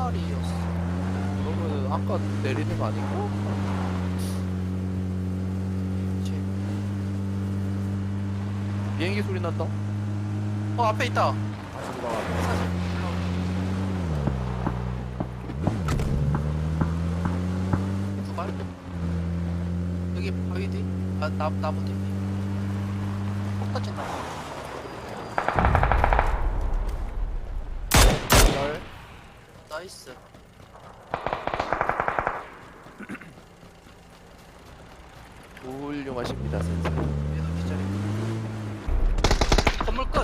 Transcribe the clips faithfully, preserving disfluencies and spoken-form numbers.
마리였어. 그러면 아까 내리는 거 아닌가? 그치. 비행기 소리 난다. 어 앞에 있다. 다시 돌아가. 사진. 두발. 여기 바위 뒤. 아 나, 나무 뒤. 폭 터진 나무. 열. 나이스. 훌륭하십니다, 센스. 얘도 기절이고. 건물 끝.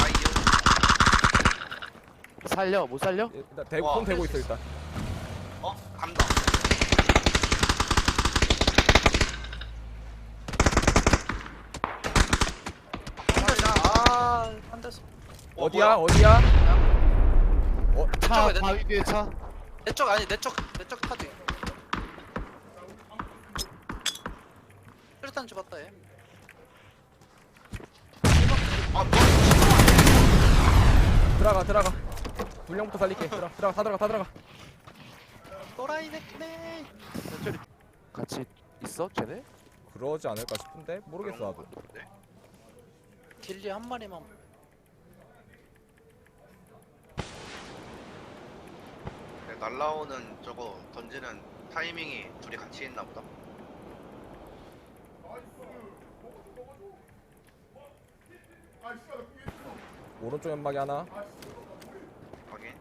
살려, 못 살려? 일단 대고 와, 손 대고 할수 있어 일단. 어? 간다. 아, 한 대서. 어, 어디야? 뭐야? 어디야? 어, 차, 내 쪽, 바위 뒤에 차. 내 쪽 아니 내 쪽 내 쪽 타지. 수류탄 죽었다 얘. 아, 뭐? 들어가 들어가. 불량부터 살릴게. 들어가 들어가 다 들어가 다 들어가. 또라이 새끼네. 저리 같이 있어, 쟤네? 그러지 않을까 싶은데 모르겠어 나도. 길리 한 마리만. 네, 날라오는 저거 던지는 타이밍이 둘이 같이 있나 보다. 오른쪽 연막이 하나. 확인.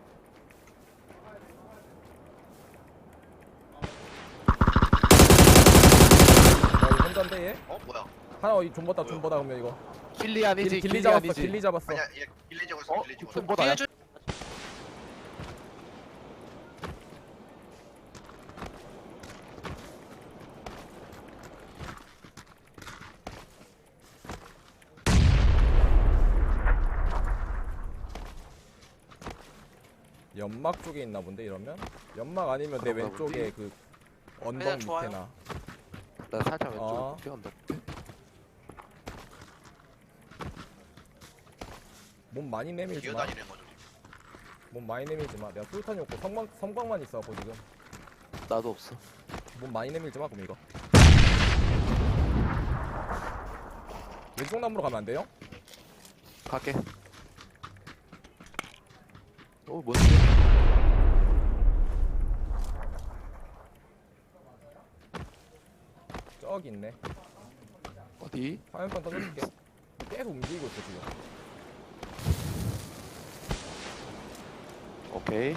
나 이거 혼자인데 얘? 어? 뭐야? 하나 이 존버다 존버다 그러면 이거. 길리 아니지, 길리, 길리, 길리 잡았어. 아니지. 길리 잡았어. 아니야, 얘 길리 찍었어. 어? 길리 찍었어. 존버다. 나야. 뒤에 줄. 연막 쪽에 있나 본데 이러면? 연막 아니면 내 그런가 왼쪽에 그 언덕 그냥 좋아요. 밑에나. 나 살짝 왼쪽 어. 뛰어온다. 몸 많이 내밀지 마. 기어다니는 거죠. 몸 많이 내밀지 마. 내가 수류탄이 없고 성광 성광만 있어갖고 지금. 나도 없어. 몸 많이 내밀지 마 그럼 이거. 왼쪽 나무로 가면 안 돼요? 갈게. 어, 뭔데? 저기 있네. 어디? 화면판 던져줄게. 계속 움직이고 있어 지금. 오케이.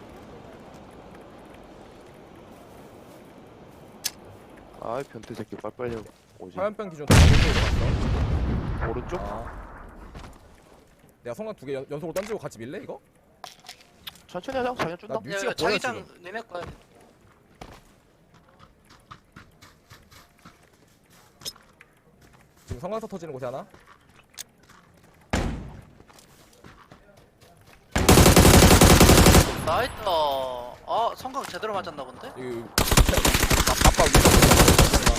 아이, 변태 새끼 빨빨리 오지. 화면판 기준 다 오른쪽으로 오른쪽? 갔어. 아. 내가 성광 두 개 연속으로 던지고 같이 밀래 이거? 천천히 하자. 자기가 준다. 나 위치가 야, 보여, 자기장 니네 거야. 지금 성광서 터지는 곳이 하나? 나이스. 아 성광 제대로 맞았나 본데? 이 아빠 위에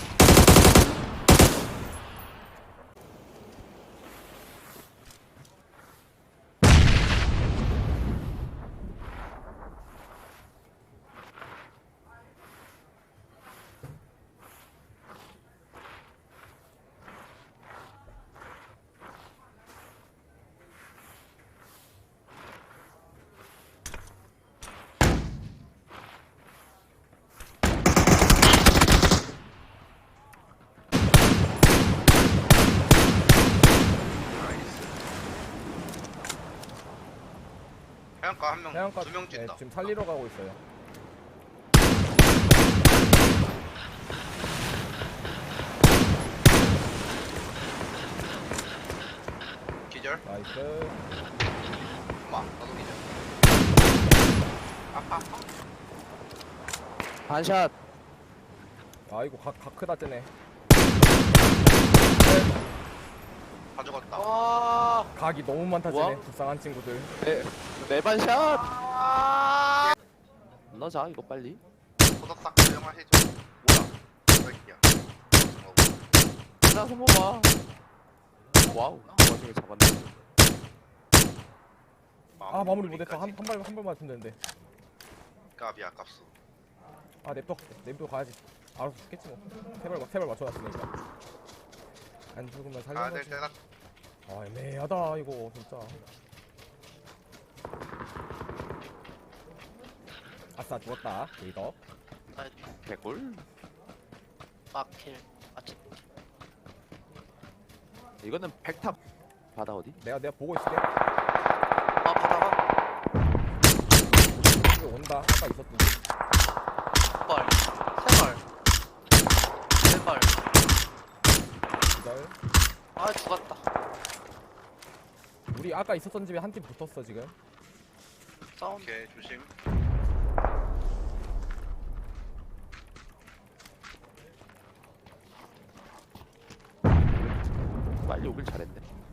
해안가 한 명, 해안가 두 명 네, 찐다. 지금 살리러 가고 있어요. 기절. 나이스. 엄마, 나도 기절. 아파, 아파. 반샷. 아이고 각, 각 크다 뜨네. 다 죽었다. 와. 각이 너무 많다 뭐야? 쟤네. 불쌍한 친구들. 네, 네 반샷. 넣자 이거 빨리. 소닥삭 조용할 해줘. 뭐야? 새끼야. 어, 하나 손봐봐. 와우. 그 와중에 잡았네. 아 마무리 못했어. 한 한 발 한 발만 맞으면 되는데. 까비 아깝소. 아 냅둬 냅둬 가야지. 알아서 죽겠지 뭐. 세발 세발 맞춰놨으니까. 안 죽으면 살리는 가야 될 거지. 때가 아 애매하다 이거 진짜. 아싸 죽었다 리더. 나 개꿀. 마킬. 아치. 이거는 백탑 바다 어디? 내가 내가 보고 있을게. 아 바다가 이거 온다. 아까 있었던데. 발. 세 발. 네 발. 기절. 아 죽었다. 우리 아까 있었던 집에 한 팀 붙었어 지금. 아, 사운드. 오케이 조심. 빨리 오길 잘했네.